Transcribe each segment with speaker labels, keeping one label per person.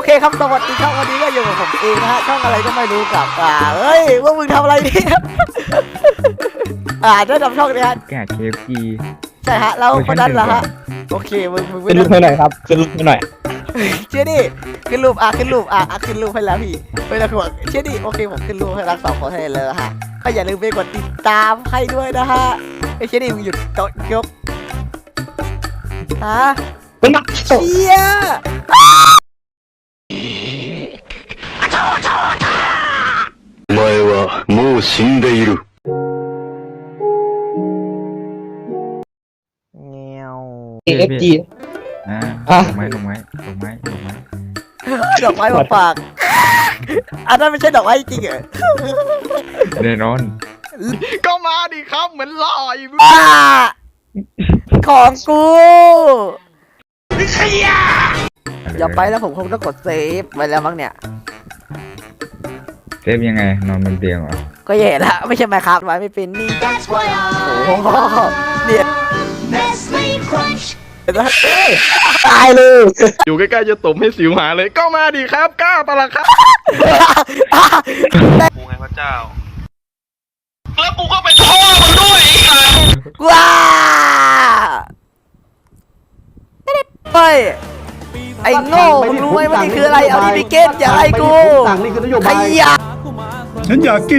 Speaker 1: เคครับสวัสดีครับวันนี้ก็อยู่กับผมเองนะฮะช่องอะไรก็ไม่รู้กับเฮ้ยว่ามึงทำอะไรเนี่ยได้ทำช่องนี้ฮะ
Speaker 2: แกะ KFC
Speaker 1: ใช่ฮะแล้วคนนั้นเหรอฮะโอเคมึงไม่
Speaker 3: ขึ้นรูปให้หน่อยครับขึ้นรูปให้หน่อย
Speaker 1: เชื่อดิขึ้นรูปขึ้นรูปขึ้นรูปให้แล้วพี่ไม่ต้องห่วงเชื่อดิโอเคผมขึ้นรูปให้รักสองคนให้เลยฮะก็อย่าลืมไปกดติดตามให้ด้วยนะฮะเชื่อดิมึงหยุดโต๊ะยก
Speaker 3: เป็นนัก
Speaker 1: เชี่ย
Speaker 4: お前はもう死んでいる。
Speaker 1: เงี้ยว
Speaker 3: KFG
Speaker 2: ลงไม้
Speaker 1: ดอกไม้มาฝากอันนั้นไม่ใช่ดอกไม้จริงเหรอ
Speaker 2: แน่นอน
Speaker 5: ก็มาดิครับเหมือนหล่ออยู่
Speaker 1: ของกูอย่าไปแล้วผมคงต้องกดเซฟไปแล้วมั้งเนี่ย
Speaker 2: เซฟยังไงนอนบนเตียงเหรอ
Speaker 1: ก็แย่ละไม่ใช่ไหมครับไว้ไม่เป็นนี่
Speaker 6: That's why
Speaker 1: โอ้โหเนี่ย
Speaker 6: Nestle Crunch
Speaker 3: ตายเลย
Speaker 5: อยู่ใกล้ๆจะตบให้สิวหาเลยก็มาดิครับกล้าปะล่ะครับกูไงพระเจ้าแล้วกูก็เป็นพ่อมึงด้วยอีกอ่ะ
Speaker 1: ว้าเฮ้ยไอ้โง่มึงรู้ไหมว่านี่คืออะไรเอาดิบิเกตอย่าไล่กู
Speaker 3: สั่งนี่คือนโย
Speaker 1: ข
Speaker 3: บาย
Speaker 1: ยะ
Speaker 3: ฉันอยากกิน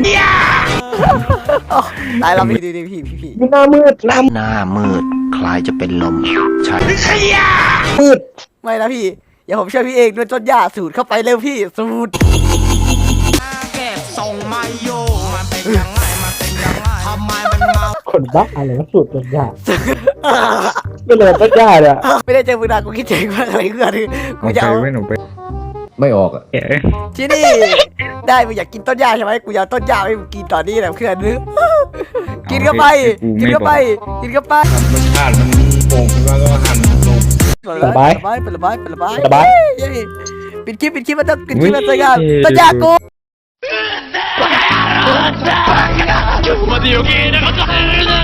Speaker 1: ตายแล้วพี่พี่
Speaker 3: หน้ามืด
Speaker 4: หน้ามืดคล้ายจะเป็นลมใช่
Speaker 3: มืด
Speaker 1: ไม่นะพี่อย่าผมช่วยพี่เองด้วยต้นหญ้าสูดเข้าไปเร็วพี่สูด
Speaker 7: เก็บส่งมาโยมันเป็นยังไงมันเป็นยังไงทำไมมันเมา
Speaker 3: คนบ้าอะไรวะสูตรต้นยาไม่เลยต้นยาเลย
Speaker 1: ไม่ได้เจอมึงนานกูคิดถึงมากอะไรเพื่อนกู
Speaker 2: เอา
Speaker 1: จะ
Speaker 2: ไป
Speaker 1: เอา
Speaker 2: ไม่หนูไป
Speaker 3: ไม่ออกอ่ะ
Speaker 2: แกะ
Speaker 1: ที่นี่ได้มึงอยากกินต้นหญ้าใช่ไหมกูอยากต้นหญ้าให้มึงกินตอนนี้แหละเพื่อนนึกกินเข้าไปกินเข้าไปกินเข้าไป
Speaker 2: มันชาติมันโป่งขึ้นมาก็หั่นลง
Speaker 1: เป็นระบายปิดคลิปมันต้องปิดคลิปมันต้นหญ้ากู
Speaker 5: มาเดี๋ยวกี้นะครับ